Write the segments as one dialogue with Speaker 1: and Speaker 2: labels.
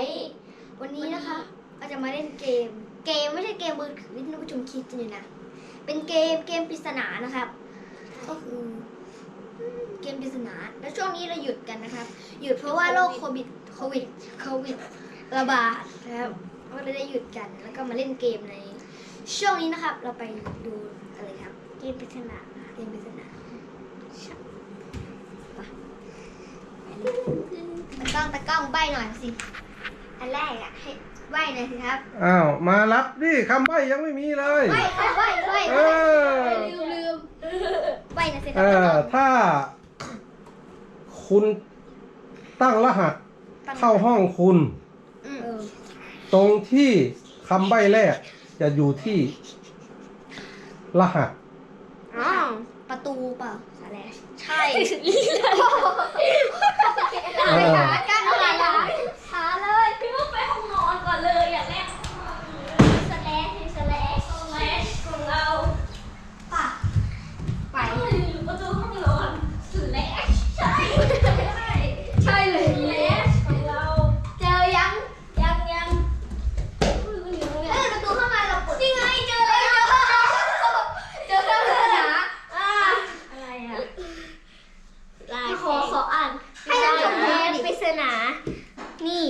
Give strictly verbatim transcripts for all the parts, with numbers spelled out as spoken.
Speaker 1: วันนี้นะคะเราจะมาเล่นเกม เกมไม่ใช่เกมมือถือที่ท่านผู้ชมคิดกันอยู่นะเป็นเกมเกมปริศนานะครับก็คือเกมปริศนาแล้วช่วงนี้เราหยุดกันนะครับหยุดเพราะว่าโรคโควิดโควิดโควิดระบาดนะครับก็เลยได้หยุดกันแล้วก็มาเล่นเกมในช่วงนี้นะครับเราไปดูอะไรครับเกมปริศนาเกมปริศนาตะกล้องตะกล้องใบหน่อยสิอันแรกอะให้ใบหน่อยสิครับ
Speaker 2: อ้าวมารับดิคำใบ้ยังไม่มีเลย
Speaker 1: ใบใบใบใบ
Speaker 2: เออ
Speaker 1: ลืมลืมใบหน่อยสิค
Speaker 2: เอ
Speaker 1: รับ
Speaker 2: อถ้า คุณตั้งรหัสเข้าห้องคุณ
Speaker 1: อืมเออ
Speaker 2: ตรงที่คำใบ้แรกจะอยู่ที่รหัส
Speaker 1: อ๋อประตูเปล่าสาแลใช่
Speaker 2: เออ
Speaker 1: หากันหาหาหาเลย
Speaker 3: พี่ก็ไปห้องนอนก่อนเลยอย่างแรก
Speaker 1: สแลชสแลช
Speaker 3: ห้องแรกของเรา
Speaker 1: ป่ะไป
Speaker 3: ไปอยู่ประตูห้องนอนสุดแรกใช่ใช่ใช่เลยแรกของเรา
Speaker 1: เจอยัง
Speaker 3: ยังยัง
Speaker 1: เออประตูเข้ามาเราปดนี่ไงเจอแล้วเจอแล้วเลยนะ
Speaker 3: อ่าอะไรอ่ะลาย
Speaker 1: ขอขออ่านให้ท่านผู้ชมดูหน่อย
Speaker 3: ปริศนานี่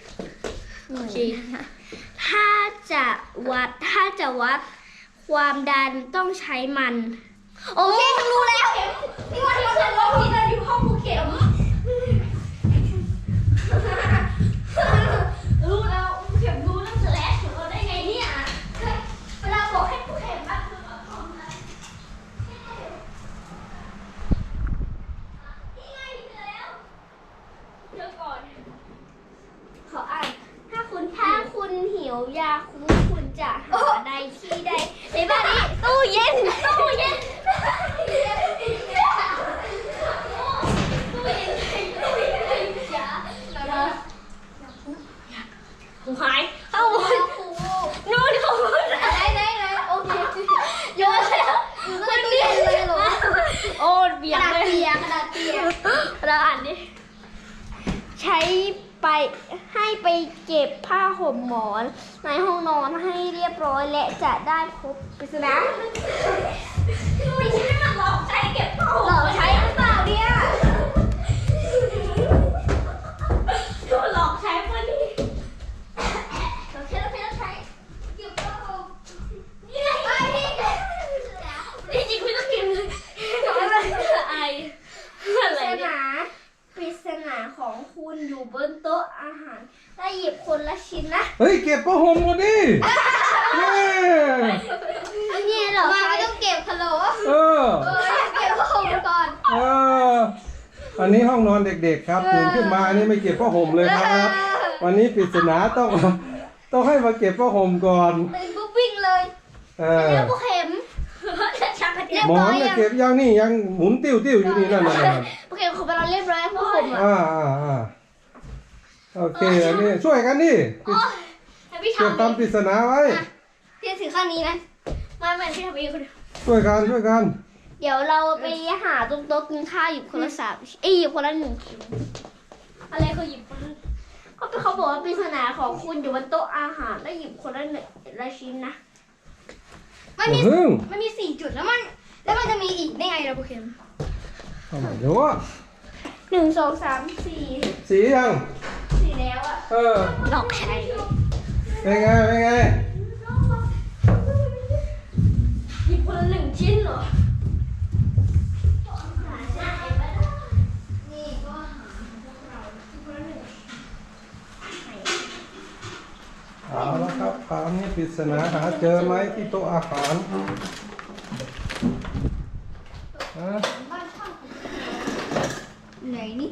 Speaker 3: ถ้าจะวัดถ้าจะวัดความดันต้องใช้มัน
Speaker 1: โอเคฉันรู้แล้วนี่ว่า
Speaker 3: ที่
Speaker 1: ที่
Speaker 3: ฉั
Speaker 1: ฉั
Speaker 3: น
Speaker 1: น
Speaker 3: ร้อง
Speaker 1: รู้
Speaker 3: ผิดอยู่ห้องภูเข็มรู้แล้วภูเข็มรู้เรื่องสแลชของเราได้ไงเนี่ยเวลาบอกให้ภูเข็มมาคือเอาของมา นี่ไงเจอแล้วเจอก่อน ขออ่าน ถ้าคุณถ้าคุณหิวยาคุ้มคุณจะหาใดที่ใดในบ้านนี้ตู้เย็นตู้เย็นตู้เย็นตู้เย็นตู้เย็นอย่าอย่าหูหายเข้าหมดนู่นเข้าหมด
Speaker 1: ไหนไหนไหนโอเคโยนแล้วอยู่ในตู้เย็นเลยเหรอ
Speaker 3: โอ้เบี
Speaker 1: ก
Speaker 3: ย
Speaker 1: ระ
Speaker 3: ด
Speaker 1: ดาษ
Speaker 3: เลย
Speaker 1: เปียกกระดาษเปียก
Speaker 3: เราอ่านดิ ใช้ไปให้ไปเก็บผ้าห่มหมอนในห้องนอนให้เรียบร้อยและจะได้พบปริศนาไม่ใช่มันหลอกใช้เก็บผ้าห่ม
Speaker 1: หลอกใช้หรือเปล่าเนี่ย
Speaker 3: หลอกใช้เพื่อนี่
Speaker 1: เราใช้เราใช้เราใช้เก็บผ้าห่ม
Speaker 3: นี่ไง
Speaker 1: ไปที่
Speaker 3: นี่จริงไม่ต้องกินเลยอะไรไออะไร
Speaker 1: ปริศ
Speaker 3: เนี่ย
Speaker 1: นา
Speaker 3: ปริศนาของคุณอยู่บนโต๊ะอาหารได้หยิบคนละชิ้นนะ
Speaker 2: เฮ้ยเก็บผ้าห่มก่อนดิแม่
Speaker 3: อันนี้เหรอ
Speaker 1: มาไม่ต้องเก็บฮัลโหล
Speaker 2: เออ
Speaker 1: เออเก็บผ้าห่มก่อน
Speaker 2: เอออันนี้ห้องนอนเด็กๆครับตื่นขึ้นมาอันนี้ไม่เก็บผ้าห่มเลยครับ วันนี้ปริศนาต้องต้องให้มาเก็บผ้าห่มก่อน
Speaker 1: ตื่นปุ๊บวิ่งเลย
Speaker 2: เออ
Speaker 1: แล้วผู้เข็ม
Speaker 3: ชักกระเดีย
Speaker 2: หมอนเนี่ยเก็บยังนี่ยังหมุนติ้วติ้วอยู่นี่นั่นน่ะ
Speaker 1: ผู้เข็มของเราเรียบร้อยผู้เข็มอ่ะ
Speaker 2: อ่าอ่าอ่าโอเคอันนี้ช่วยกันดิ
Speaker 1: ให้พี่
Speaker 2: เก็บ
Speaker 1: ทำ
Speaker 2: ตามปริศนาไว้
Speaker 1: พี่ถือข้างนี้นะ
Speaker 3: มาเหมือนที่ทำเองคนเดียว
Speaker 2: ช่วยกันช่วยกัน
Speaker 3: เดี๋ยวเราไปหาตรงโต๊ะกินข้าวหยิบคนละสามเอ้ยหยิบคนละหนึ่งชิ้นอะไรคือหยิบคนละก็เป็นเขาบอกว่าปริศนาของคุณอยู่บนโต๊ะอาหารแล้วหยิบคนละหนึ่งละชิ้นนะ
Speaker 1: มันมี
Speaker 2: พึ่ง
Speaker 1: มันมีสี่จุดแล้วมัน แล้วมันจะมีอีกได้ไงล่ะผู้เข็ม
Speaker 2: เอาใหม่เดี๋ยวว่า
Speaker 3: หนึ่งสองสามสี่
Speaker 2: สียัง
Speaker 3: สี่แล้วอะ
Speaker 2: เออ
Speaker 3: หลอกใช้
Speaker 2: เป็นไงเป็นไง
Speaker 3: หยิบคนละหนึ่งชิ้นเหรอ
Speaker 1: นี่ก็
Speaker 2: เอาละครับคราวนี้ปริศนาหาเจอไหมที่โต๊ะอาหารฮะ
Speaker 1: ไหนนี่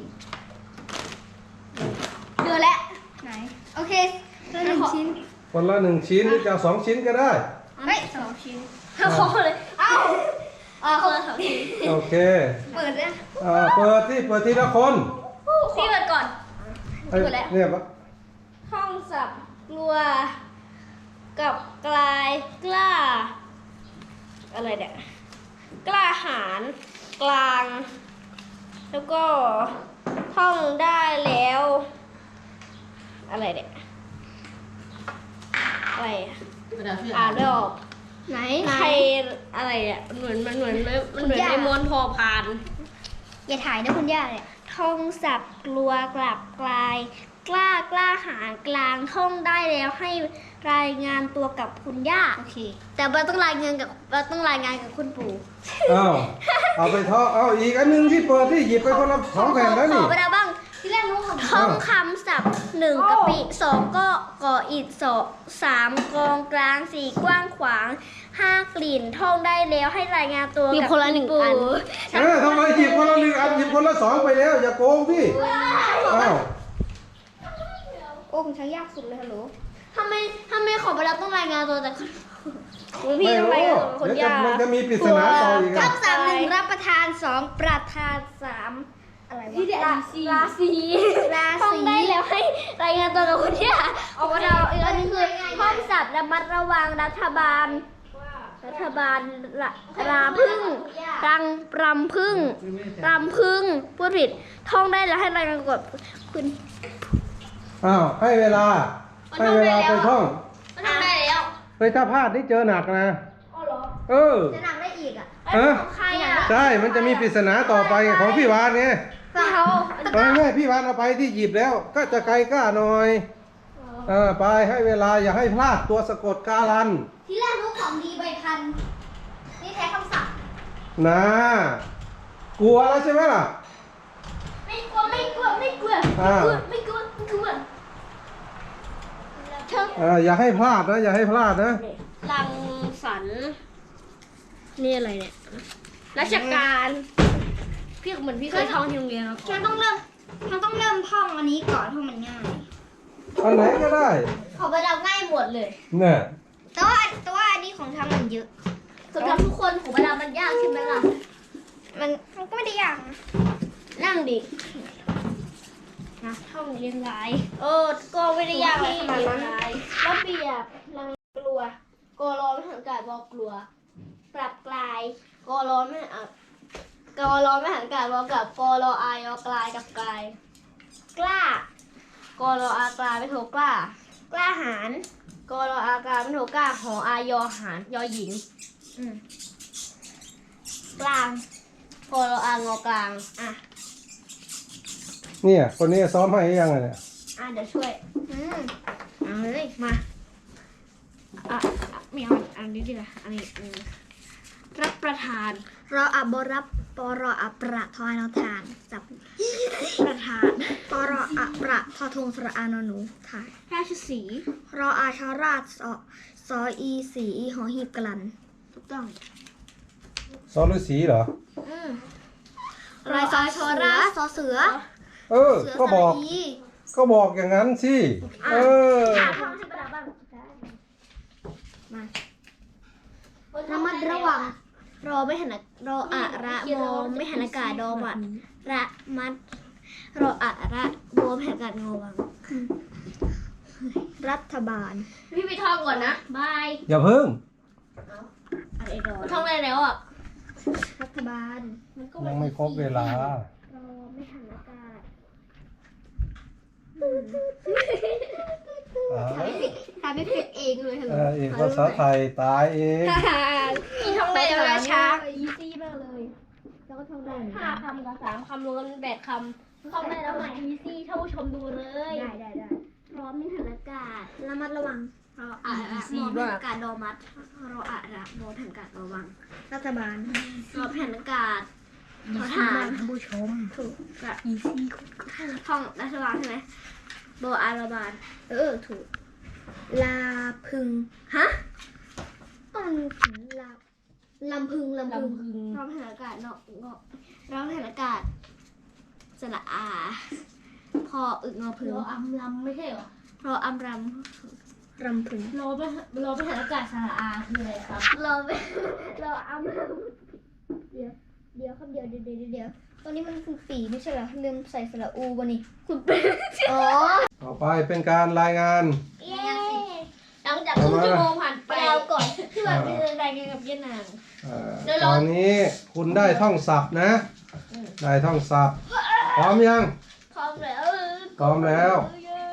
Speaker 1: เจอแล้วไหนโอเคหนึ่งชิ้น
Speaker 2: คนละหนึ่งชิ้นหรือจะเอาสองชิ้นก็ได้
Speaker 1: เฮ้ยสองชิ้น
Speaker 3: เอาขอเลย
Speaker 1: เอ้าอ่า
Speaker 3: คนละสองชิ้น
Speaker 2: โอเค
Speaker 1: เปิดนะ
Speaker 2: อ่าเปิดที่เปิดทีละคน
Speaker 3: พี่เปิดก่อน
Speaker 2: ไอ้เนี่ย
Speaker 3: ห้องสับกลัว กับกลายกล้า อะไรเนี่ยกล้าหาญกลาง แล้วก็ท่องได้แล้วอะไรเนี่ยอะไรอะ
Speaker 4: กระดาษเสื้อ
Speaker 3: อ่านไม่ออก
Speaker 1: ไหน
Speaker 3: ใครอะไรอ่ะเหมือนมันเหมือนมันเหมือนในม้วนพอพาน
Speaker 1: อย่าถ่ายนะคุณย่าเนี่ย
Speaker 3: ท่องศัพท์กลัวกลับกลาย กล้ากล้าหาญกลางท่องได้แล้วให้รายงานตัวกับคุณย่า
Speaker 1: โอเค แต่เราต้องรายงานกับเราต้องรายงานกับคุณปู่
Speaker 2: อ้าวเอาไปท่องเอาอีกอันหนึงที่เปิดที่หยิบไปคนละสองแผ่นแล้ว
Speaker 1: ข
Speaker 2: นี่
Speaker 1: อไปแล้วบ้าง ที่แรกรู้ของ
Speaker 3: ท่องคำศัพท์หนึ่งกะปิสองก็ก่ออิฐสองสามกองกลางสี่กว้างขวางห้ากลิ่นท่องได้แล้วให้รายงานตัวกับคุณปู่
Speaker 2: เออทำไมหยิบคนละหนึ่งอันหยิบคนละสองไปแล้วอย่าโกงพี่อ้าว
Speaker 1: โอ้คุณช้างยากสุดเลยฮัลโหลทำไมทำไมของไปแล้วต้องรายงานตัวแต่คุณ
Speaker 3: พี่
Speaker 2: ไม่
Speaker 3: ต้อง
Speaker 2: รู้
Speaker 3: รายงานตัวกับคุณ
Speaker 2: เดี๋ยวจะ
Speaker 3: ย่า
Speaker 2: มันจะมีปริศนาต่ออีก
Speaker 1: ข้
Speaker 2: อ่ะ
Speaker 1: อสามหนึ่งรับประทานสองประทานสามอะไรวะราราศีรา
Speaker 3: ท่อง
Speaker 1: ศี
Speaker 3: ได้แล้วให้รายงานตัวกับคุณย่าเอาเราอีกอันนึงคือท่องศัพท์ระมัดระวังรัฐบาล รัฐบาลระราพึ่งรังรำพึ่งรำพึ่งพูดผิดท่องได้แล้วให้รายงานกับคุณ
Speaker 2: อ้าวให้เวลาให้เวลาไปท่อง
Speaker 1: มันทำได้แล้ว
Speaker 2: เฮ้ยถ้าพลาดนี่เจอหนักนะ
Speaker 3: อ๋อเหรอ
Speaker 2: เออ
Speaker 1: จะหนักได้อีกอ่ะ
Speaker 2: เออ
Speaker 3: ของใครอ่ะ
Speaker 2: ใช่มันจะมีปริศนาต่อไปของพี่วานไง
Speaker 3: เขา
Speaker 2: ตอนแม่พี่วานเอาไปที่หยิบแล้ว ก็จะไกลกล้าหน่อยเออไปให้เวลาอย่าให้พลาดตัวสะกดการัน
Speaker 1: ที่แรกรู้ของดีใบพันนี่แท้คำศัพท์
Speaker 2: นะกลัวแล้วใช่ไหมล่ะ
Speaker 3: ไม่กลัวไม่กลัวไม่กลัว
Speaker 2: อ่า
Speaker 3: ไม่กลัวไม่กลัว
Speaker 2: เอออย่าให้พลาดนะอย่าให้พลาดนะ
Speaker 3: รังสรรค์นี่อะไรเนี่ยราชการพี่เหมือนพี่เคยท่องที่โรงเรียนมาก่
Speaker 1: ฉั
Speaker 3: อน
Speaker 1: นต้องเริ่มฉันต้องเริ่มท่องอันนี้ก่อนเพราะมันง่าย
Speaker 2: อันไหนก็ได้
Speaker 1: ของไปเราง่ายหมดเลย
Speaker 2: เนี่ย
Speaker 1: แต่ว่าแต่ว่าอันนี้ของทำมันเยอะ
Speaker 3: สำหรับทุกคนของเวลามันยากใช่ไหมล่ะ
Speaker 1: มันมันก็ไม่ได้ยากนะ
Speaker 3: นั่งดินะท่องเรียงรายเออก็ไม่ได้ยากอะไรขนาดนั้นระเบียบรังกลัวกอรอไม่หันกาดบอกกลัว ปรับกลายกอรอไม่หันกอรอไม่หันกาดบอกกับกอรออายอกลายกับกลาย กล้ากอรออากลายไม่โทกล้า
Speaker 1: กล้าหาญ
Speaker 3: กอรออากลายไม่โทกล้าหออายอหารยอหญิง
Speaker 1: อืม
Speaker 3: กลางกอรออางอกลางอ่ะ
Speaker 2: เนี่ยคนนี้ซ้อมให้ยังไงเนี่ย
Speaker 3: อ่ะเดี๋ยวช่วย
Speaker 1: อืม
Speaker 3: เอาเลยมาอ่ะอ่ะไม่เอาอันนี้ดีกว่าอันนี้อืมรับประทาน
Speaker 1: รออับบรับปรออับประทอยนอทานจับ
Speaker 3: ประทาน
Speaker 1: ปรออับประทอทงสระอานอหนูถ่าย
Speaker 3: ราชสีห์
Speaker 1: รออาชาราชสอซออีสีหอหีบกลัน
Speaker 3: ถูกต้อง
Speaker 2: ซ้อมฤาษีเหรอ
Speaker 1: อืมรอยซอชอราชซอเสือ
Speaker 2: เออ
Speaker 1: เสือ
Speaker 2: ก็
Speaker 1: ส
Speaker 2: บ
Speaker 1: ระ
Speaker 2: อก
Speaker 1: อี
Speaker 2: ก็บอกอย่างนั้นสิ เออ
Speaker 3: อ่ะท่องให้ประดาบ้าง
Speaker 1: มาระมัดระวัง
Speaker 3: รอไม่หันอารออะระโมไม่หันอากาศดอมัดระมัดรออะระโมไม่หันอากาศงอวัง
Speaker 1: รัฐบาล
Speaker 3: พี่ไปท่องก่อนนะบาย
Speaker 2: อย่าเพิ่ง
Speaker 3: อะไรดอท่องได้แล้วอ่ะ
Speaker 1: รัฐบาล
Speaker 2: ยังไม่ครบเวลา
Speaker 3: รอไม่หันอากาศ
Speaker 2: อ่า
Speaker 1: ทำไม่เป็นเองเลยฮัลโหล
Speaker 2: เออเอกภาษาไทยตายเอง
Speaker 3: พี่ท่องได้แล้วนะช้า
Speaker 1: อีซี่มากเลย แล้วก็ท่องได้เหมือน
Speaker 3: ห้า
Speaker 1: กัน
Speaker 3: คำกับสามคำรวมกันเป็นแปดคำท่องได้แล้วไหมอีซี่ท่านผู้ชมดูเลย
Speaker 1: ได้ได้ได้
Speaker 3: พร้อมไม่หันอากาศ
Speaker 1: ระมัดระวัง
Speaker 3: รออะระโมไม่หันอากาศดอมัดรออะระโมไม่หันอากาศระวัง
Speaker 1: รัฐบาล
Speaker 3: รอไม่หันอากาศขอทาน
Speaker 1: ท่านผู้ชม
Speaker 3: ถูกกะอีซี่ท่องรัฐบาลใช่ไหมโบอาราบาล
Speaker 1: เออ ถูก ลาพึง
Speaker 3: ฮะ
Speaker 1: ต้องถึงลาลำพึงลำพึง
Speaker 3: รอไม่หันอากาศเนาะเงาะรอไม่หันอากาศสระอา พออึกงอพึง
Speaker 4: เราอำลำไม่ใช่เหรอ
Speaker 3: รออัมร
Speaker 1: รำพึง
Speaker 4: เราไปเราไปหาอากาศสาระอาคืออะไรครับ
Speaker 3: ำรอไปรออัมร
Speaker 1: เดี๋ยว เดี๋ยวครับเดี๋ยวเดี๋ยวเดี๋ยวเดี๋ยวตอนนี้มันคือปีไม่ใช่เหรอลืมใส่สระอูบะนี่
Speaker 3: คุณเป็น
Speaker 1: อ๋อ
Speaker 2: ต่อไปเป็นการรายงาน
Speaker 3: เย้หลังจากครึ่งชั่วโมงผ่านไป
Speaker 1: ไปเอาก่อน
Speaker 3: ที่แบบเป็นรายงานกับเยนาน
Speaker 2: เอ่อ
Speaker 3: เดี๋ยว
Speaker 2: ต
Speaker 3: เรา
Speaker 2: อนนี้คุณได้ท่องศัพท์นะ ได้ท่องศัพท์ พร้อมยัง
Speaker 3: พร้อมแล้ว
Speaker 2: พร้อมแล้ว
Speaker 3: เ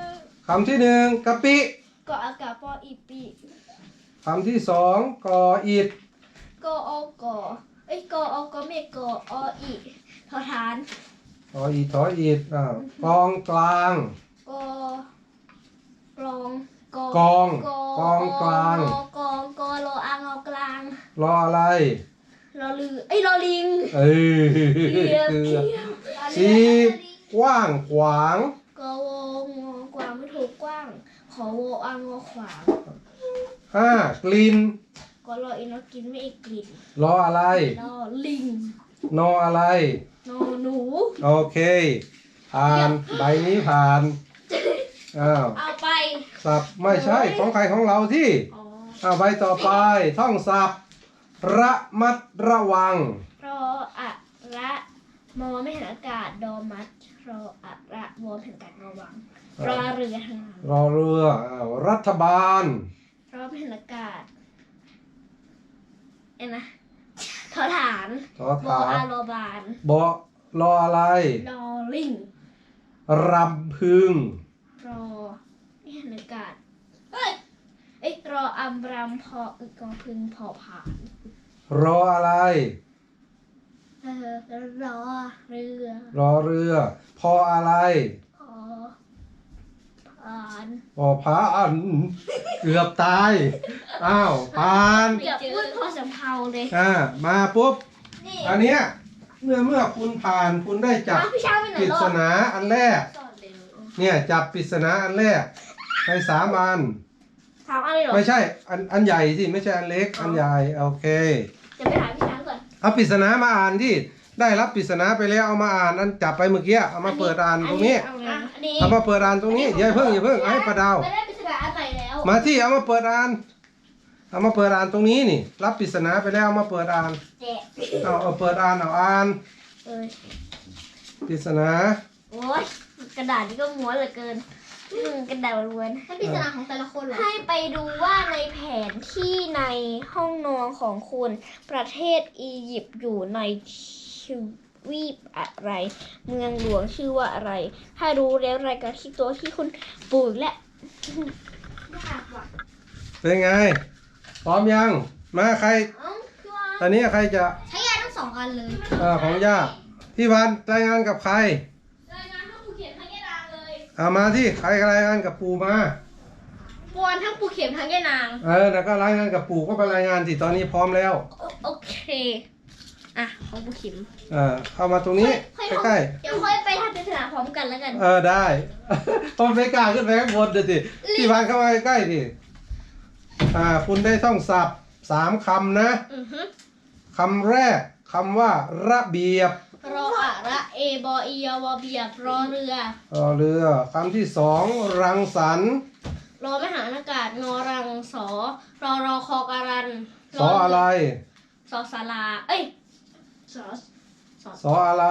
Speaker 2: คำที่หนึ่งกะปิ
Speaker 3: กออากาปออีปี
Speaker 2: คำที่สองกออิด
Speaker 3: กออกอเอ้ยกออกอเมกอออีทอฐาน
Speaker 2: กออิดทออิดอ่าวกองกลาง
Speaker 3: กอกลองก
Speaker 2: กอง
Speaker 3: กอก
Speaker 2: องกลาง
Speaker 3: กองกอรออางอกลาง
Speaker 2: รออะไร
Speaker 3: รอลือเอ้ยรอลิง
Speaker 2: เอ้ย
Speaker 3: เกียบ
Speaker 2: คือ
Speaker 3: เกียบ
Speaker 2: สีกว้างขวาง
Speaker 3: กอวงอกวางไม่ถูกกว้าง ขอโวอางอขวาง
Speaker 2: ห้ากลิ่น
Speaker 3: กอรออินอกินไม่อีกกลิ่น
Speaker 2: รออะไร
Speaker 3: รอลิง
Speaker 2: นออะไร
Speaker 3: นอหนู
Speaker 2: โอเค ผ่าน ใบนี้ผ่าน อ้าว
Speaker 3: เอาไป
Speaker 2: สับไม่ใช่ของใครของเราที่
Speaker 3: อ๋อ
Speaker 2: อ้าวใบต่อไป ท่องสับระมัดระวัง
Speaker 3: รออะระมอไม่เห็นอากาศดอมัดรออะระวอมเห็นอากาศระวังรอเรือทาง
Speaker 2: รอเรืออ้าวรัฐบาล
Speaker 3: รอไม่เห็นอากาศเอ็นนะทอฐาน
Speaker 2: ทอ
Speaker 3: วอ
Speaker 2: ฐา
Speaker 3: อาน รอบาน
Speaker 2: บอรออะไร
Speaker 3: รอลิง
Speaker 2: รำพึง
Speaker 3: รอไม่เห็นอากาศเอ้ยเอ้ยรออัมรำพออึกองพึงพอผ่าน
Speaker 2: รออะไร
Speaker 3: เออรอเรือ
Speaker 2: รอเรือ พออะไร
Speaker 3: พอผ่าน
Speaker 2: พอพาอัน เกือบตาย อ้าวผ่าน
Speaker 3: เกือบพูดพอสำเภาเลย
Speaker 2: อ่ามาปุ๊บ
Speaker 3: นี่
Speaker 2: อันเนี้ยเมื่อเมื่อคุณผ่านคุณได้จับ
Speaker 3: อ้าวพี่เช้าไปไหน
Speaker 2: ปริ
Speaker 3: รอ
Speaker 2: ศ
Speaker 3: ด
Speaker 2: นาอันแรก
Speaker 3: สอนเร็ว
Speaker 2: เนี่ยจับปริศนาอันแรกในสามอัน
Speaker 3: ถามอะไรหรอ
Speaker 2: ไม่ใช่อันอันใหญ่สิไม่ใช่อันเล็ก อันใหญ่โอเค
Speaker 3: จะไปถามพี่ช้างก่อน
Speaker 2: เอาปริศนามาอ่านที่ได้รับปริศนาไปแล้วเอามาอ่านอันจับไปเมื่อกี้เอามาเปิดอ่านตรงนี้
Speaker 3: เอาเลยอันนี้
Speaker 2: เอามาเปิดอ่านตรงนี้อย่าเพิ่งอย่าเพิ่งเอาให้ประดาว
Speaker 3: ไม่ได้ปริศนาอันใหม่แล้ว
Speaker 2: มาที่เอามาเปิดอ่านเอามาเปิดอ่านตรงนี้นี่ รับปริศนาไปแล้วเอามาเปิดอ่าน
Speaker 3: แจก
Speaker 2: เอาเอาเปิดอ่านเอาอ่าน
Speaker 3: เอ้ย
Speaker 2: ปริศนา
Speaker 3: โอ้ยกระดาษนี่ก็ม้วนเหลือเกินอืมกระดาษล้วน
Speaker 1: ให้ปริศนาของแต่ละคนเหรอ
Speaker 3: ให้ไปดูว่าในแผนที่ในห้องนอนของคุณ ประเทศอียิปต์อยู่ในทวีปอะไร เมืองหลวงชื่อว่าอะไร ถ้ารู้แล้วรายการที่ตัวที่คุณปลูกและ
Speaker 1: ยากว่ะ
Speaker 2: เป็นไงพร้อมยังมาใคร
Speaker 3: เอ้าพี่วาน
Speaker 2: ตอนนี้ใครจะ
Speaker 1: ใช้ยาทั้งสองอันเลย
Speaker 2: เอ่อของย่าพี่วันรายงานกับใคร
Speaker 3: รายงานให้ปูเขียนทั้งแย่นางเลย
Speaker 2: เอามาที่ใครรายงานกับปู่มา
Speaker 3: ปวนทั้งปูเขียนทั้งแย่นาง
Speaker 2: เออแล้วก็รายงานกับปู่ก็ไปรายงานสิตอนนี้พร้อมแล้ว
Speaker 3: โอโอเค อ่ะ ของปูเขียน
Speaker 2: เออเข้ามาตรงนี้ใกล้
Speaker 3: เดี๋ยวค่อยไปทำปริศนาพร้อมกันแล้วกัน
Speaker 2: ๆเออได้ พอไม่กล้าขึ้นไปข้างบนเดี๋ยวสิพี่วันเข้ามาใกล้ๆดิอ่าคุณได้ท่องศัพท์สามคำนะ
Speaker 3: อือฮึ
Speaker 2: คำแรกคำว่าระเบียบ
Speaker 3: รออะระเอบออียวอเบียบรอเรือ
Speaker 2: รอเรือคำที่สองรังสรรค์
Speaker 3: รอมหาอากาศงอรังสอรอรอคอการัน
Speaker 2: สออะไร
Speaker 3: สอสารา เอ้ยสอสอ
Speaker 2: สออะไร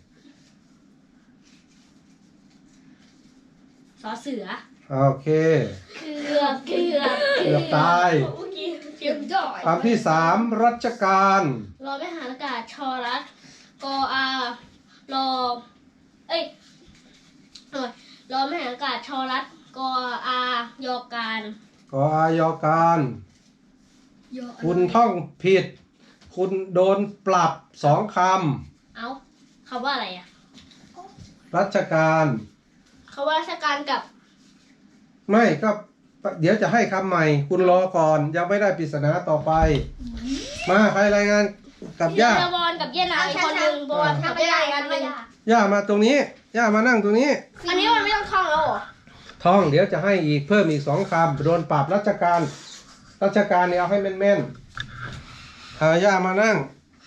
Speaker 3: สอเสือ
Speaker 2: โอเค
Speaker 3: เกือบเกือบ
Speaker 2: เกือบตาย
Speaker 3: เมื่อกี้เกือบดอย
Speaker 2: คำที่สามรัชการ
Speaker 3: รอมหาอากาศชอรัสกออารอ เอ้ยเอ้ยรอมหาอากาศชอรัสกออายอการ
Speaker 2: กออายอการ
Speaker 1: เยอะ
Speaker 2: คุณท่องผิด คุณโดนปรับสองค
Speaker 3: เอ้าคำว่าอะไรอ่ะ
Speaker 2: ำรัชการ
Speaker 3: คำว่าราชการกับ
Speaker 2: ไม่ก็เดี๋ยวจะให้คำใหม่ คุณรอก่อนยังไม่ได้ปริศนาต่อไป มาใครรายงานกับย่า
Speaker 3: เยบอลกับเยนายคนหนึ่งบอลกับเยนายอันหนึ่ง
Speaker 2: ย่ามาตรงนี้ ย่ามานั่งตรงนี้
Speaker 3: อันนี้มันไม่ต้องท่องแล้วเหรอ
Speaker 2: ท่องเดี๋ยวจะให้อีกเพิ่มอีกสองคำโดนปรับราชการราชการเนี่ยเอาให้แม่นๆหาย่ามานั่ง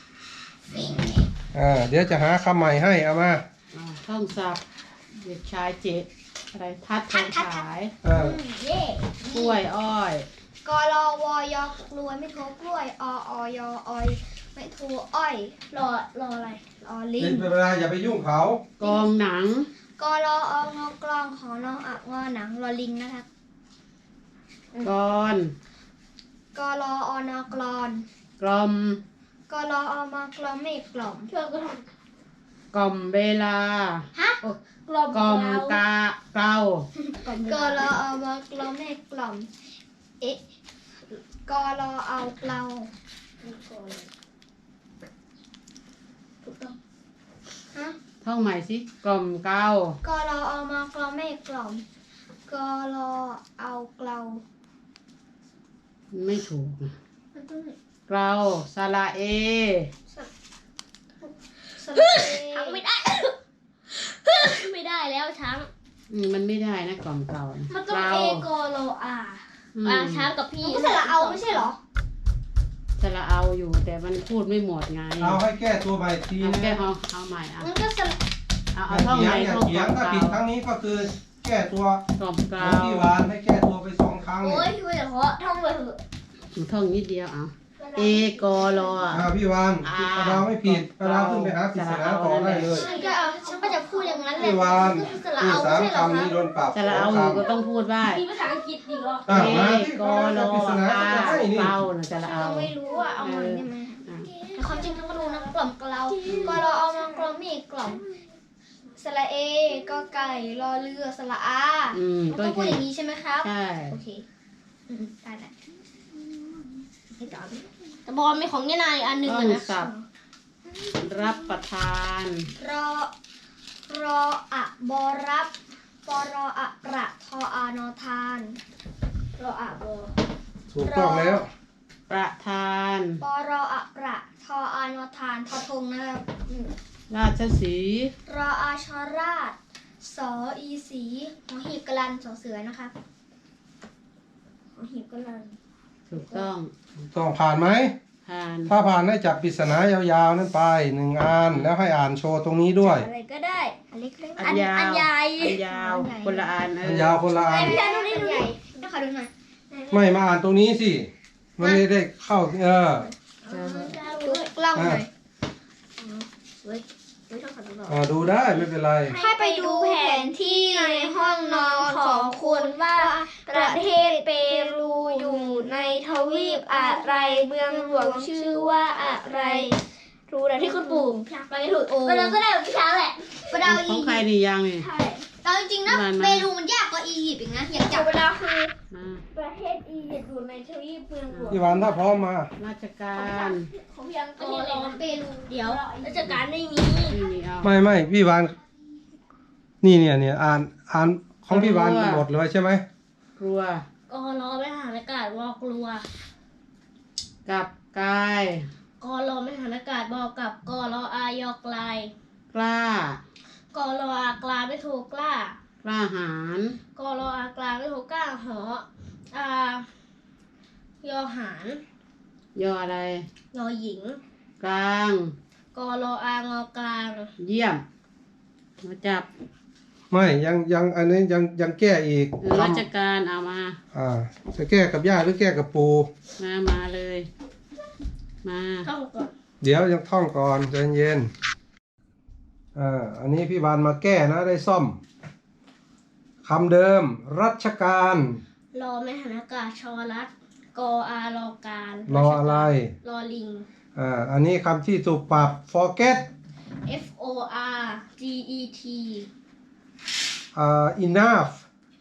Speaker 2: อ่าเดี๋ยวจะหาคำใหม่ให้เอามา
Speaker 4: อ่าท่องศัพท์เด็กชายเจ็ดอะไรทัดทองฉาย
Speaker 2: อ่า
Speaker 1: เย่
Speaker 4: กล้วยอ้อย
Speaker 1: กรอวอยอกลวยไม่โทรกล้วยอออยออยไม่โทรอ้อย
Speaker 3: รอรออะไร
Speaker 1: รอลิ
Speaker 2: เป็
Speaker 1: ง
Speaker 2: นเวลาอย่าไปยุ่งเขา
Speaker 4: กองหนัง
Speaker 1: กรอองอกลองขอนออะงอหนังรอลิงนะครับ
Speaker 4: กอน
Speaker 1: กรออนอกลอน
Speaker 4: กลอม
Speaker 1: กรออมากลอมไม่กล่อม
Speaker 3: เพื่อนก็ท
Speaker 4: กล่อมเวลา
Speaker 1: ฮะ
Speaker 3: ำกกล่อม
Speaker 4: กล่อม
Speaker 3: เกลาก
Speaker 4: าเกลาก
Speaker 1: รอเอามากรอแม่กล่อมเอ๊ะกรอเอาเกลาถูกต้องฮะ
Speaker 4: ท่องใหม่สิกล่อมเกลาก
Speaker 1: รอเอามากรอแม่กล่อมกรอเอาเกลา
Speaker 4: ไม่ถูกนะ
Speaker 1: มันต้อง
Speaker 4: เกลาสระเอ
Speaker 1: สระเอ
Speaker 3: ช้างไม่ได้ ไม่ได้แล้วช้าง
Speaker 4: อืมมันไม่ได้นะกล่อมเกลานะ
Speaker 3: มันต้อง
Speaker 4: เกลา
Speaker 3: เอกโลอา
Speaker 4: อืม
Speaker 3: อ่าช้างกับพี่
Speaker 1: มันก็สระเอาไม่ใช่เหรอ
Speaker 4: สระเอาอยู่แต่มันพูดไม่หมดไง
Speaker 2: เอาให้แก้ตัวใหม่ที
Speaker 4: เอา
Speaker 2: นะ
Speaker 4: แก้เอาเอาใหม่เอา
Speaker 1: มันก็สระ
Speaker 4: เอา
Speaker 2: อ
Speaker 4: เอา
Speaker 2: ย่า
Speaker 4: ท่อง
Speaker 2: เถี
Speaker 4: ให
Speaker 2: ยง
Speaker 4: ม่
Speaker 2: อย่า
Speaker 4: ท่อง
Speaker 2: เถียง
Speaker 4: กล่อ
Speaker 2: ถ้าม ผิด
Speaker 4: เก
Speaker 2: ครั้
Speaker 4: ลาง
Speaker 2: นี้ก็คือแก้ตัว
Speaker 4: กล่อมเก
Speaker 2: ข
Speaker 4: ลา
Speaker 2: องพี่วานให้แก้ตัวไปสองครั้ง
Speaker 3: โอ้
Speaker 2: เนี่ย
Speaker 3: ยช่วยเพราะท่องเลยเถอะ
Speaker 4: ท่องนิดเดียวเอาเอกรอ
Speaker 2: อ่าพี่วาน
Speaker 4: อ่า
Speaker 2: ปลาดาวไม่ผิดปลาดาวขึ้นไปหาปริศนาต่อได้เลย
Speaker 1: ฉันก็เอาฉันก็จะพูดอย่างนั้นแหละ
Speaker 2: พี่วาน
Speaker 1: ก็คือสระ
Speaker 2: พูด
Speaker 1: เอา
Speaker 2: สาม
Speaker 1: ไม่ใช่เหรอ
Speaker 2: คำนี้
Speaker 1: คะ
Speaker 2: โดนปรับ
Speaker 4: สระเอา
Speaker 2: ส
Speaker 4: อ
Speaker 2: อง
Speaker 4: ยู่ก็
Speaker 2: คำ
Speaker 4: ต้องพูดว่า
Speaker 3: มีภาษาอังกฤษอีกเหรอ
Speaker 2: อ่ะ
Speaker 4: เอ
Speaker 2: มาที่
Speaker 4: ก
Speaker 2: ปลาดาว
Speaker 4: ร
Speaker 2: ปริศนา
Speaker 4: อา
Speaker 2: จะให้นี่
Speaker 4: เกลานะสระเอา
Speaker 1: เราไม่รู้อ่ะเอามาได้ไหม
Speaker 4: อ่ะ
Speaker 1: แต่ความจริงต้องมาดูนะกล่อมกล่าวก็รอเอามากล่อมอีกกล่อมสระเอก็ไก่รอเรือสระอา
Speaker 4: อืม
Speaker 1: มันต้องพูดอย่างนี้ใช่ไหมครับ
Speaker 4: ใช่
Speaker 1: โอเคอืมได้แหละให้ต่อดิ
Speaker 3: แต่บอลมีของยานายอันหนึ่ง
Speaker 4: ต้อง
Speaker 3: อะนะ
Speaker 4: สับรับประทาน
Speaker 1: รอรออะบอรับปรออะประทออานอทานรออะบอ
Speaker 2: ถูกต้องแล้ว
Speaker 4: ประทาน
Speaker 1: ปรออะประทออานอทานทอทงนะครับอืม
Speaker 4: ราชสีห์
Speaker 1: รออาชราชสออีสีหอหีบกลันสอเสือนะครับหอหีบกลัน
Speaker 4: ถูกต้อง
Speaker 2: ต้องผ่านไหม
Speaker 4: ผ่าน
Speaker 2: ถ้าผ่านให้จับปริศนายาวๆนั่นไปหนึ่งอันแล้วให้อ่านโชว์ตรงนี้ด้วย
Speaker 3: อะไรก็ได้
Speaker 1: อันเล็กๆ
Speaker 4: อันยาว
Speaker 3: อันใหญ่
Speaker 4: อันยาวคนละอันเอ
Speaker 2: อัน
Speaker 4: อย
Speaker 2: าวคนละอัน
Speaker 1: พี่ชายดูนี่ดูนี่ต้องขอดูหน่อย
Speaker 2: ไม่มาอ่านตรงนี้สิมันไม่ได้เข้าเออ
Speaker 1: ดูกล้องหน่อย
Speaker 3: เว้ยเว้ยต้องขอดูหน่อย
Speaker 2: อ่าดูได้ไม่เป็นไร
Speaker 1: ให้ไปดูแผนที่ในห้องนอนของคุณว่าประเทศเปรูอยู่ในทวีปอะไรเมืองหลวงชื่อว่าอะไร
Speaker 3: รู้นะที่คุณปู่ไปถูก
Speaker 1: โอ้
Speaker 3: ก็แล้วก็ได้แบบพี่ช้างแหละ
Speaker 1: ประดาว
Speaker 4: ข
Speaker 1: อี
Speaker 4: อง
Speaker 1: ยิ
Speaker 4: ใคร
Speaker 1: ปต์
Speaker 4: ดียังนี่
Speaker 3: ใช่
Speaker 1: เอาจริงๆนะ
Speaker 4: มันมัน
Speaker 1: เปรูมันยากกว่าอียิปต์อีกนะอยากจับ
Speaker 3: เวลาคือ
Speaker 4: มา
Speaker 3: ประเทศอียิปต์อยู่ในทวีปเมืองหลวง
Speaker 2: พี่วันถ้าพร้อมมา
Speaker 4: ราชการ
Speaker 3: ของพี่ยัง
Speaker 1: ประ
Speaker 3: ก็
Speaker 1: เทศ
Speaker 3: ร
Speaker 1: อะไร
Speaker 3: อ
Speaker 1: นะเปรู
Speaker 3: เดี๋ยวราชการไม่มี
Speaker 4: นี่นี่เอา
Speaker 2: ไม่ไม่พี่วานนี่เนี่ยเนี่ยอ่านอ่านของพี่วานหมดเลยใช่ไหม
Speaker 4: กลัว
Speaker 3: กรอไม่หานอากาศบอกกลัว
Speaker 4: กับกาย
Speaker 3: กรอไม่หานอากาศบอกกับกรออายอกลาย
Speaker 4: กล้าก
Speaker 3: รออากลาไม่ถูกกล้า
Speaker 4: กล้าหาญ
Speaker 3: กรออากลาไม่ถูกกล้าหออายอหาร
Speaker 4: ยออะไร
Speaker 3: ยอหญิง
Speaker 4: กลาง
Speaker 3: กรออางอกลาง
Speaker 4: เยี่ยมมาจับ
Speaker 2: ไม่ยังยังอันนี้ยังยังแก้อีก
Speaker 4: เออราชการเอามา
Speaker 2: อ่าจะแก้กับย่าหรือแก้กับปู
Speaker 4: มามาเลย มา
Speaker 3: ท่องก่อน
Speaker 2: เดี๋ยวยังท่องก่อนใจเย็นอ่าอันนี้พี่วานมาแก้นะได้ซ่อมคำเดิม รัชการ
Speaker 3: รอไม่หานอากาศชอรัดกออารอการ
Speaker 2: รออะไร
Speaker 3: รอลิง
Speaker 2: อ่าอันนี้คำที่ถูกปรับ forget
Speaker 3: F O R G E T
Speaker 2: อ่า enough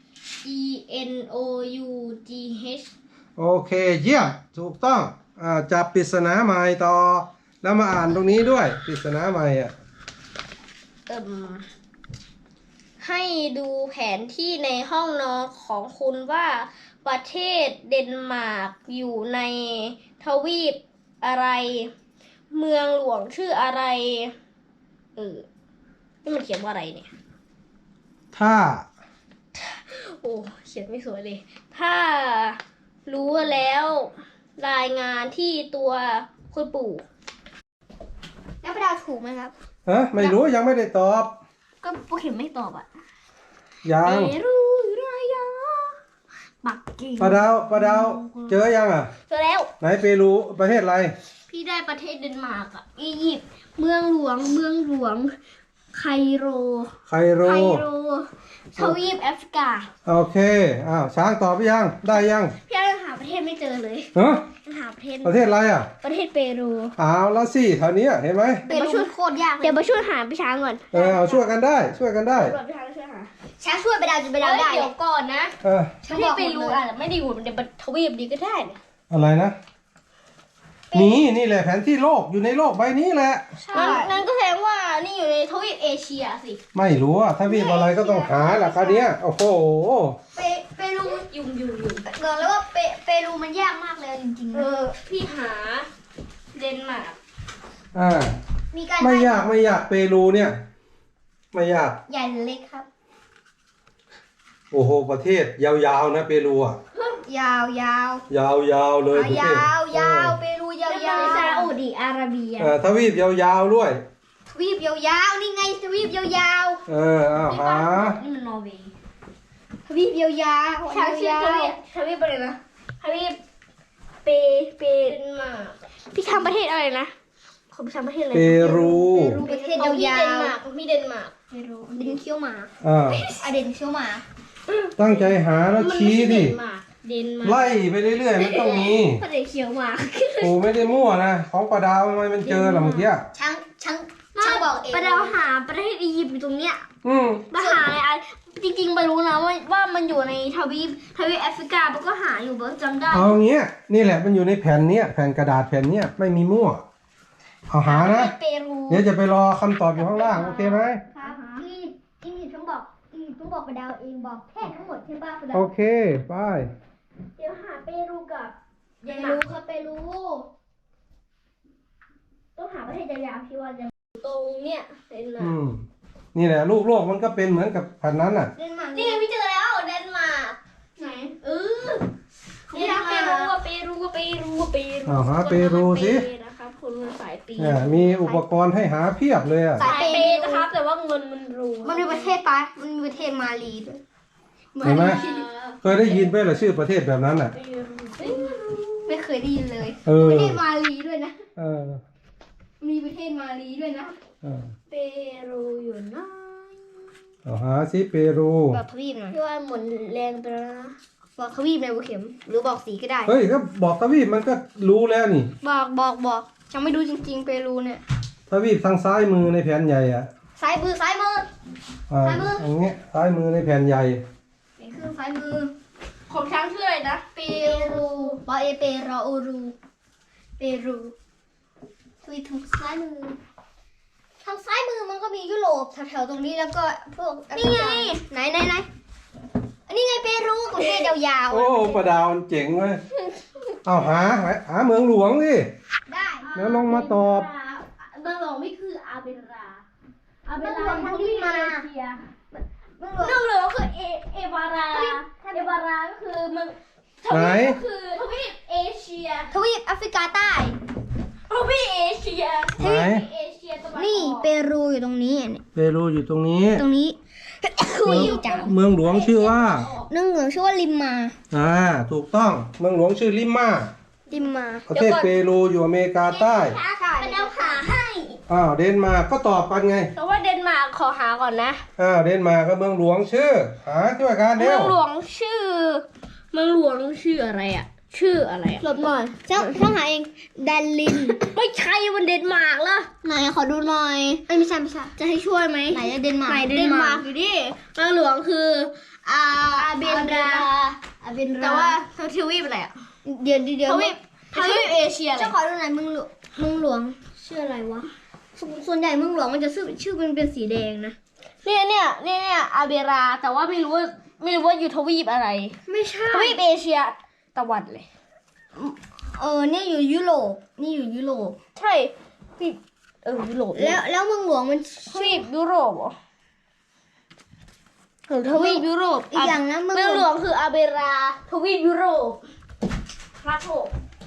Speaker 3: E N O U G H
Speaker 2: โอเคเยี่ยมถูกต้องอ่าจับปริศนาใหม่ต่อ แล้วมาอ่านตรงนี้ด้วยปริศนาใหม่อ่ะ
Speaker 3: เอิ่มให้ดูแผนที่ในห้องนอนของคุณว่าประเทศเดนมาร์กอยู่ในทวีปอะไร เมืองหลวงชื่ออะไร เออ นี่มันเขียนว่าอะไรเนี่ย
Speaker 2: ถ้า
Speaker 3: โอ้เขียนไม่สวยเลย ถ้ารู้แล้วรายงานที่ตัวคุณปู่
Speaker 1: แล้วประดาวถูกไหมครับ
Speaker 2: ฮะไม่รู้ยังไม่ได้ตอบ
Speaker 3: ก็พวกเขียนไม่ตอบอ่ะ
Speaker 2: ยัง
Speaker 3: เปรูรายาปักกิ่ง
Speaker 2: ปลาดาวปลาดาวเจอยังอ่ะ
Speaker 3: เจอแล้ว
Speaker 2: ไหนเปรูประเทศอะไร
Speaker 3: พี่ได้ประเทศเดนมาร์กอ่ะ อียิปต์ เมืองหลวง เมืองหลวง ไคโร
Speaker 2: ไคโร
Speaker 3: ไคโร ทวีปแอฟริกา
Speaker 2: โอเคอ้าวช้างตอบไปยังได้ยัง
Speaker 3: พี่ยังหาประเทศไม่เจอเลย
Speaker 2: ฮะ
Speaker 3: ยัหาประเทศ
Speaker 2: ประเทศอะไรอ่ะ
Speaker 3: ประเทศเปรู
Speaker 2: เอาแล้วสิแถวเนี้ยเห็นไหม
Speaker 1: เปรูมันโคตรยากเลย
Speaker 3: เดี๋ยวมาช่วยหาพี่ช้างก่อน
Speaker 2: เออเอาช่วยกันได้ช่วยกันได้
Speaker 3: ตำรวจพี่ช้างช่วยหา
Speaker 1: ช้างช่วยไปดาวจนไปดาวได้
Speaker 3: เดี๋ยวก่อนนะ
Speaker 2: เออ
Speaker 3: ประเทศเปรูอ่ะไม่ได้อยู่ในทวีปนี้ก็ได้นะ
Speaker 2: อะไรนะนี่นี่แหละแผนที่โลกอยู่ในโลกใบนี้แหละ
Speaker 3: งั้นงั้นก็แสดงว่านี่อยู่ในทวีปเอเชียสิ
Speaker 2: ไม่รู้อ่ะถ้าวีบอะไรก็ต้องหาแหละคราวเนี้ยโอ้โห
Speaker 1: เปเปรู
Speaker 3: ยุ่งยุ่งยุ่ง
Speaker 1: บอกแล้วว่าเปเปรูมันยากมากเลยจริงๆ
Speaker 3: เอ
Speaker 1: นะ
Speaker 3: อพี่หาเดนมาร์ก
Speaker 2: อ่า
Speaker 1: มีการ
Speaker 2: ไม่ยากไม่ยากเปรูเนี่ยไม่ยาก
Speaker 1: ใหญ่หรือเล็กครับ
Speaker 2: โอ้โหประเทศยาวๆนะเปรูอ่ะ
Speaker 1: ยาวยาวย
Speaker 2: าวๆเลยประเทศ
Speaker 1: ยาวยาวเปรูยาวยาว
Speaker 3: ซาอุดิอาระเบีย
Speaker 2: เออทวีปยาวๆด้วย
Speaker 1: ทวีปยาวๆนี่ไงทวีปยาว
Speaker 2: เออเอาหา
Speaker 3: นี่มันนอร์เวย์
Speaker 1: ๆทวีปยาวๆ
Speaker 3: ช้างชื่อย
Speaker 1: า
Speaker 3: ท
Speaker 1: ว
Speaker 3: วีปทวีปอะไรนะทวีปเปเปเดนมาร์กพี่ทำประเทศอะไรนะของพี่ทำประเทศอะไร
Speaker 2: เปรู
Speaker 1: ๆเปรูประเทศ
Speaker 3: ของพี่
Speaker 1: ยา
Speaker 3: เดน
Speaker 1: ว
Speaker 3: มาร์กของพี่เดนมาร์ก
Speaker 1: ๆเปรูเดนเคี้ยวหมา
Speaker 2: อ่า
Speaker 1: อะเดนเคี้ยวหมา
Speaker 2: ตั้งใจหาแล้ว
Speaker 3: มันไม่
Speaker 2: ชี้
Speaker 3: ใช่เด
Speaker 2: ดิ
Speaker 3: นมาร์กเดนมาร์ก
Speaker 2: ไล่ไปเรื่อยๆมันต้องมี
Speaker 3: ก็เดนเขียวหมาร์ก
Speaker 2: โอ้ไม่ได้มั่วนะของปลาดาวทำไมมันเจอล่ะเมื่อกี้
Speaker 1: ช้างช้างช้างบอกเอง
Speaker 3: ประเดาวหาประเทศอียิปต์อยู่ตรงเนี้ย
Speaker 2: อืม
Speaker 3: มาหาอะไรอ่ะจริงๆไปรู้นะว่าว่ามันอยู่ในทวีปทวีปแอฟริกามันก็หาอยู่เบิร์จำได้
Speaker 2: เอางี้นี่แหละมันอยู่ในแผ่นเนี้ยแผ่นกระดาษแผ่นเนี้ยไม่มีมั่วเอาหานะ
Speaker 3: เปรู
Speaker 2: เดี๋ยวจะไปรอคำตอบอยู่ข้างล่างโอเคไหม
Speaker 1: ครับอียิปต์อียิปต์ต้องบอกอียิปต์ต้องบอกไปดาวเองบอกแค่ทั้งหมดใช่ป่ะไปดาว
Speaker 2: โอเคไป
Speaker 3: เดี๋ยวหาเปรูกับ
Speaker 1: เปรูครับเปรู
Speaker 3: ต้องหาประเทศยาวๆที่ว่าจะตรงเนี้ยเดนมา
Speaker 2: อื
Speaker 3: ร์ก
Speaker 2: มนี่แหละลูกโลกมันก็เป็นเหมือนกับแผ่นนั้นน่ะ
Speaker 1: เดนมาร์ก
Speaker 3: นี่ไงพี่เจอแล้วเดนมาร์กไหนเออนี่นะเปรูว่าเปรูว่าเปรูว่าเปรู
Speaker 2: เอาหาเปรูสิ
Speaker 3: นะครับคนมันสายปี
Speaker 2: เนี่ยมีอุปกรณ์ให้หาเพียบเลยอ่ะ
Speaker 3: สายเปย์นะครับ แต่ว่าเงินมันรู
Speaker 1: มันมีประเทศปะมันมีประเทศมาลีด้วย
Speaker 2: เห็นไหมเคยได้ยินไหมล่ะชื่อประเทศแบบนั้นน่ะ
Speaker 1: ไม่เคยได้ยินเลย
Speaker 2: เออ
Speaker 1: ประเทศมาลีด้วยนะ
Speaker 2: เออ
Speaker 1: มีประเทศมาลีด้วยนะ
Speaker 2: เออ
Speaker 3: เปรูอยู่นะ
Speaker 2: เอาหาซิเปรู
Speaker 1: บอกทวีปหน่อย
Speaker 3: พี่ว่าหมุนแรงไปแล้วนะ
Speaker 1: บอกทวีปในบุเข็ม หรือบอกสีก็ได้
Speaker 2: เฮ้ยก็บอกทวีปมันก็รู้แล้วนี่
Speaker 1: บอกบอกบอกยังไม่ดูจริงๆเปรูเนี่ย
Speaker 2: ทวีปทางซ้ายมือในแผ่นใหญ่อ่ะ
Speaker 1: ซ้ายมือซ้ายมือ
Speaker 2: อ่า
Speaker 1: ซ้ายมือ
Speaker 2: อย่างเงี้ยซ้ายมือในแผ่นใหญ่
Speaker 1: นี่คือซ้ายมือ
Speaker 3: ของช้างชื่ออะไรนะ
Speaker 1: เปรูปอเอเปรออูรู เปรูทวีปทางซ้ายมือ ทางซ้ายมือมันก็มียุโรปแถวๆตรงนี้แล้วก็พวกแอฟริกาไหนไหนไหนอันนี้ไงเปรูประเทศยาวๆ
Speaker 2: โอ้ปลาดาวมันเจ๋งเว้ยเอาหาหาหาเมืองหลวงสิ
Speaker 1: ได้
Speaker 2: แล้วลงมาตอบ
Speaker 3: เมืองหลวงนี่คืออาเบราอาเบ
Speaker 1: เมือง
Speaker 3: รา
Speaker 1: หลวงทั้งที่มา
Speaker 3: เอเชีย
Speaker 1: เมืองหลวง
Speaker 3: เมืองหลวงคือเอเอวาราเอวาราก็คือเมืองท
Speaker 2: ไหน
Speaker 3: วีปก็คือทวีปเอเชีย
Speaker 1: ทวีปแอฟริกาใต้
Speaker 3: ทวีปเอเชีย
Speaker 2: ไหน
Speaker 3: เอเชียตะวันออก
Speaker 1: นี่เปรูอยู่ตรงนี้เนี่ย
Speaker 2: เปรูอยู่ตรงนี้
Speaker 1: ตรงนี้ คุยจัง
Speaker 2: เมืองหลวงชื่อว่า
Speaker 1: เมืองหลวงชื่อว่าลิมมา
Speaker 2: อ่าถูกต้องเมืองหลวงชื่อลิมมา
Speaker 1: ลิมมา
Speaker 2: ประเทศเปรูอยู่อเมริกาใต้
Speaker 1: ใช่
Speaker 3: ไปเดาหาให้
Speaker 2: อ้าวเดนมาร์กก็ตอบกันไง
Speaker 3: แต่ว่าเดนมาร์กขอหาก่อนนะ
Speaker 2: อ้าวเดนมาร์กก็เมืองหลวงชื่อ หาช่วยกันเร็
Speaker 3: เมือ
Speaker 2: ว
Speaker 3: งหลวงชื่อ เมืองหลวงชื่ออะไรอ่ะ ชื่ออะไรอ่ะ
Speaker 1: หลบหน่อยเจ้าต้องหาเองแดนลิน
Speaker 3: ไม่ใช่มันเดนมาร์กเหรอ
Speaker 1: ไหนขอดูหน่อยเอ้ยไม่ใช่ไม่ใช่
Speaker 3: จะให้ช่วยไหม
Speaker 1: ไหนอะเดนมาร์ก
Speaker 3: ไหนเดนมาร์กอยู่ดิเมืองหลวงคืออาอาเบนรา
Speaker 1: อาเบนรา
Speaker 3: แต่ว่าทวีปอะไรอ่ะ
Speaker 1: เดี๋ยวเดี๋ยวเดี๋ยว
Speaker 3: ทวีปทวีปเอเชียอะไร
Speaker 1: เจ้าขอดูหน่อยเมืองหลวงเมืองหลวงชื่ออะไรวะสส่วนใหญ่เมืองหลวงมันจะชื่อชื่อมันเป็นสีแดงนะ
Speaker 3: เนี่ยเนี่ยเนี่ยเนี่ยอาเบรา แต่ว่าไม่รู้ว่าไม่รู้ว่าอยู่ทวีปอะไร
Speaker 1: ไม่ใช่
Speaker 3: ทวีปเอเชียตะวันเลย
Speaker 1: เออเนี่ยอยู่ยุโรปนี่อยู่ยุโรป
Speaker 3: ใช่พี่เออยุโรป
Speaker 1: แล้วแล้วเมืองหลวงมัน
Speaker 3: ทวีปยุโรปเหรอหรือทวีปยุโรป
Speaker 1: อีกอย่างนะเมือง
Speaker 3: เมือง
Speaker 1: ห
Speaker 3: ห
Speaker 1: ล
Speaker 3: ล
Speaker 1: ว
Speaker 3: ว
Speaker 1: ง
Speaker 3: งคืออาเบรา ทวีปยุโรปพระโถ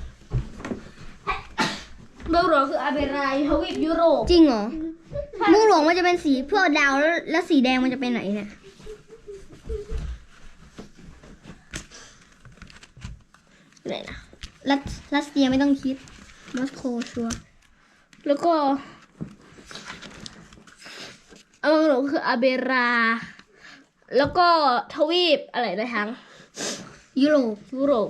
Speaker 3: เมืองหลวงคืออาเบราทวีปยุโรป
Speaker 1: จริงเหรอเมืองหลวงมันจะเป็นสีเพื่อดาวแล้วแล้วสีแดงมันจะเป็นไหนเนี่ยไหนนะรัสรัสเซียไม่ต้องคิดมอสโกชัวร์
Speaker 3: แล้วก็เมืองหลวงคืออาเบรา แล้วก็ทวีปอะไรนะทั้ง
Speaker 1: ยุโรป
Speaker 3: ยุโรป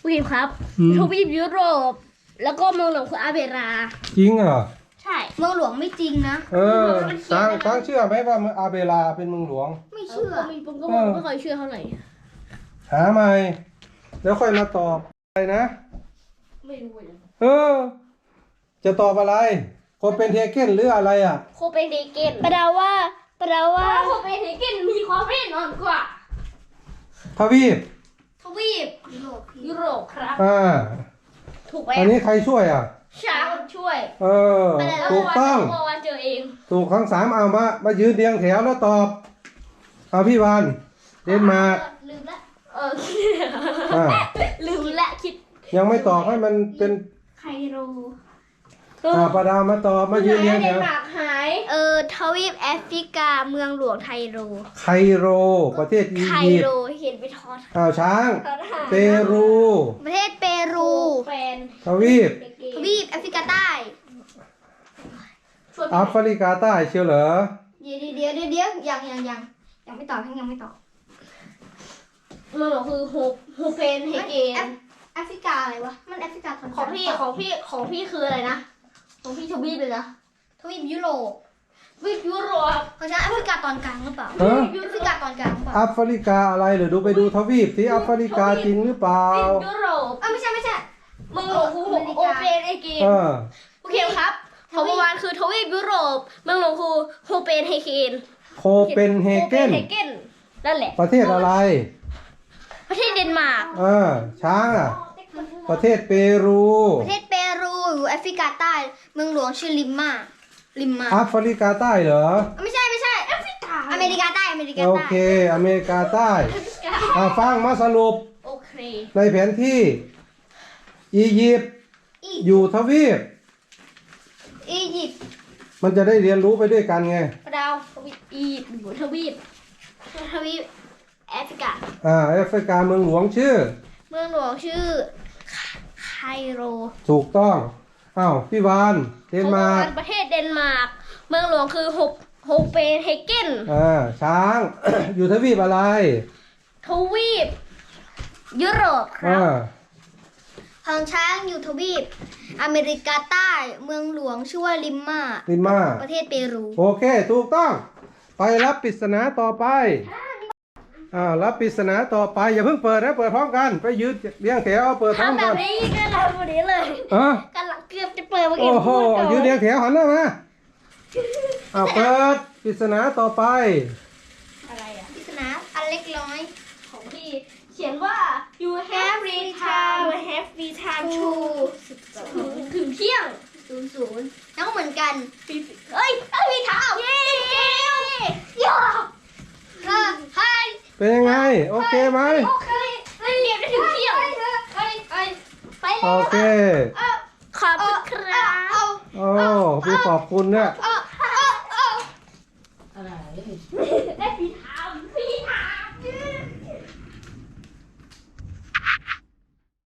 Speaker 3: วีมครับ
Speaker 2: อืม
Speaker 3: ทวีปยุโรป แล้วก็เมืองหลวงคืออาเบรา
Speaker 2: จริงเหรอ
Speaker 3: ใช่
Speaker 1: เมืองหลวงไม่จริงนะ
Speaker 2: เออช้างช้างเชื่อไหมว่าอาเบลาเป็นเมืองหลวง
Speaker 1: ไม่เชื่อ
Speaker 3: ผมผมก็
Speaker 2: เออ
Speaker 3: ไม่ค่อยเชื่อเท่าไหร่
Speaker 2: หาใหม่แล้วค่อยมาตอบอะไรนะ
Speaker 3: ไม่รู้เลย
Speaker 2: เออ จะตอบอะไรโคเปนเฮเกนหรืออะไรอ่ะ
Speaker 3: โคเปนเฮเกน
Speaker 1: แปลว่าแปลว่า
Speaker 3: โคเปนเฮเกนมีความแน่นอนกว่า
Speaker 2: ทวีป
Speaker 1: ทวีปยุโรป
Speaker 3: ยุโรปครับ
Speaker 2: อ่า
Speaker 3: ถูกไหม
Speaker 2: อันนี้ใครช่วยอ่ะ
Speaker 3: ช้างช่วย
Speaker 2: เออ ถูกต้อง
Speaker 3: เมื่อวานเจอเอง
Speaker 2: ถูกทั้งสามเอามา มายืนเรียงแถวแล้วตอบ เอาพี่วานเดนมาร์ก
Speaker 3: ลืมละเออ
Speaker 2: อ่า
Speaker 3: ลืมละคิด
Speaker 2: ยังไม่ตอบให้มันเป็น
Speaker 3: ไคโร
Speaker 2: อ่าประดาวมาตอบมายืนเรียงแถ
Speaker 3: เดน
Speaker 2: ว
Speaker 3: มาร์กหาย
Speaker 1: เออทวีปแอฟริกาเมืองหลวงไทโร
Speaker 2: ไคโร ประเทศอี
Speaker 1: ไค
Speaker 2: ยิป
Speaker 1: โร
Speaker 2: ต์
Speaker 1: เห็นไปทอด
Speaker 2: อ้าวช้าง เปรู
Speaker 1: ประเทศเปรู
Speaker 3: แฟน
Speaker 2: ทวีป
Speaker 1: ทวีปแอฟริกาใต้
Speaker 3: ชวน
Speaker 2: แอฟริกาใต้เชียวเหรอ
Speaker 1: เดี๋ยวเดี๋ยวเดี๋ยวเดี๋ยวยังยังยังยังไม่ตอบทั้งยังไม่ตอบ
Speaker 3: เมืองหลวงคือโฮโฮเปนเฮเก
Speaker 1: แอน ฟแอฟริกาอะไรวะ มันแอฟริกาตอนก
Speaker 3: ข
Speaker 1: ลา
Speaker 3: องพี่ของพี่ของพี่คืออะไรนะ ของพี่ทวีปเลยนะ
Speaker 1: ทวีปยุโรป
Speaker 3: ทวีปยุโรป
Speaker 1: ของฉันแอฟริกาตอนกลางหรือเปล่า
Speaker 2: ฮะ
Speaker 1: แอฟริกาตอนกลางหรือเปล่า
Speaker 2: แอฟริกาอะไรเหรอดูไปดูทวีปที่แอฟริกาจริงหรือเปล่า
Speaker 3: ทวีปยุโรป
Speaker 1: เอ้าไม่ใช่ไม่ใช่
Speaker 3: เมืองหลวงคือโฮโฮเปนเฮเกน
Speaker 2: เออ
Speaker 3: โอเคครับของเมื่อวานคือทวีปยุโรป เมืองหลวงคือโฮเปนเฮเกน
Speaker 2: โคเปนเฮเกน
Speaker 3: โฮปเฮเกนนั่นแหละ
Speaker 2: ประเทศอะไร
Speaker 3: ประเทศเดนมาร์ก
Speaker 2: เออ ช้างอ่ะ ประเทศเปรู
Speaker 1: ประเทศเปรูอยู่แอฟริกาใต้ เมืองหลวงชื่อลิมมาลิมมา
Speaker 2: แอฟริกาใต้เหรอ
Speaker 1: ไม่ใช่ไม่ใช่แอฟริกาอเมริกาใต้อเมริกา
Speaker 2: โอ
Speaker 1: ใต้
Speaker 2: เค อเมริกาใต้อ่าฟังมาสรุป
Speaker 3: โอเค
Speaker 2: ในแผนที่ อียิปต์อยู่ทวีป
Speaker 1: อียิปต์
Speaker 2: มันจะได้เรียนรู้ไปด้วยกันไง
Speaker 3: ประดาวทวีปอียิปต์หรือทวีป
Speaker 1: ทวีปแอฟริกา
Speaker 2: อ่าแอฟริกาเมืองหลวงชื่อ
Speaker 1: เมืองหลวงชื่อไคโร
Speaker 2: ถูกต้อง อ้าวพี่วานเดนมาร์ก
Speaker 3: ของประเทศเดนมาร์ก เมืองหลวงคือโฮปโฮเปนเฮเกน
Speaker 2: อ่า ช้าง อยู่ทวีปอะไร
Speaker 3: ทวีปยุโรปครั
Speaker 2: อ่า
Speaker 3: บ
Speaker 1: ของช้างอยู่ทวีปอเมริกาใต้ เมืองหลวงชื่อว่าลิมมา
Speaker 2: ลิมา
Speaker 1: ประเทศเปรู
Speaker 2: โอเค ถูกต้อง ไปรับปริศนาต่อไป อ่า รับปริศนาต่อไป อย่าเพิ่งเปิดนะ เปิดพร้อมกัน ไปยืนเรียงแถวเอาเปิดพร้อม
Speaker 3: ทำแบ
Speaker 2: กับ น
Speaker 3: นี้ก็ทำแบบนี้เลย
Speaker 2: อ่ะ
Speaker 3: กำลังเกือบจะเปิดเมื่อกี้
Speaker 2: โอ้โห
Speaker 3: พูดก่อน
Speaker 2: ยืนเรียงแถวหันหน้ามาอ่าเปิดปริศนาต่อไป
Speaker 3: อะไรอ่ะ
Speaker 1: ปริศนาอันเล็กน้อย
Speaker 3: ของพี่เขียนว่า you have free time you have free time to ถึงถึงเที่ยง
Speaker 1: ศูนย์ศูนย์แล้วก็เหมือนกัน
Speaker 3: เอ้ยเอ้ยมีเท้าเย้เย้ยอ
Speaker 1: เออให้
Speaker 2: เป็นยังไง โอเคไหม
Speaker 3: โอเคเล่นเกมได้ถึงเที่ยง
Speaker 1: เฮ้ยเฮ้ย
Speaker 3: ไป
Speaker 2: โอ
Speaker 3: แล้ว
Speaker 2: เค
Speaker 3: ขอบคุณครับ
Speaker 1: เอา
Speaker 2: โอ้พี่ขอบคุณเนี่ย
Speaker 1: เอา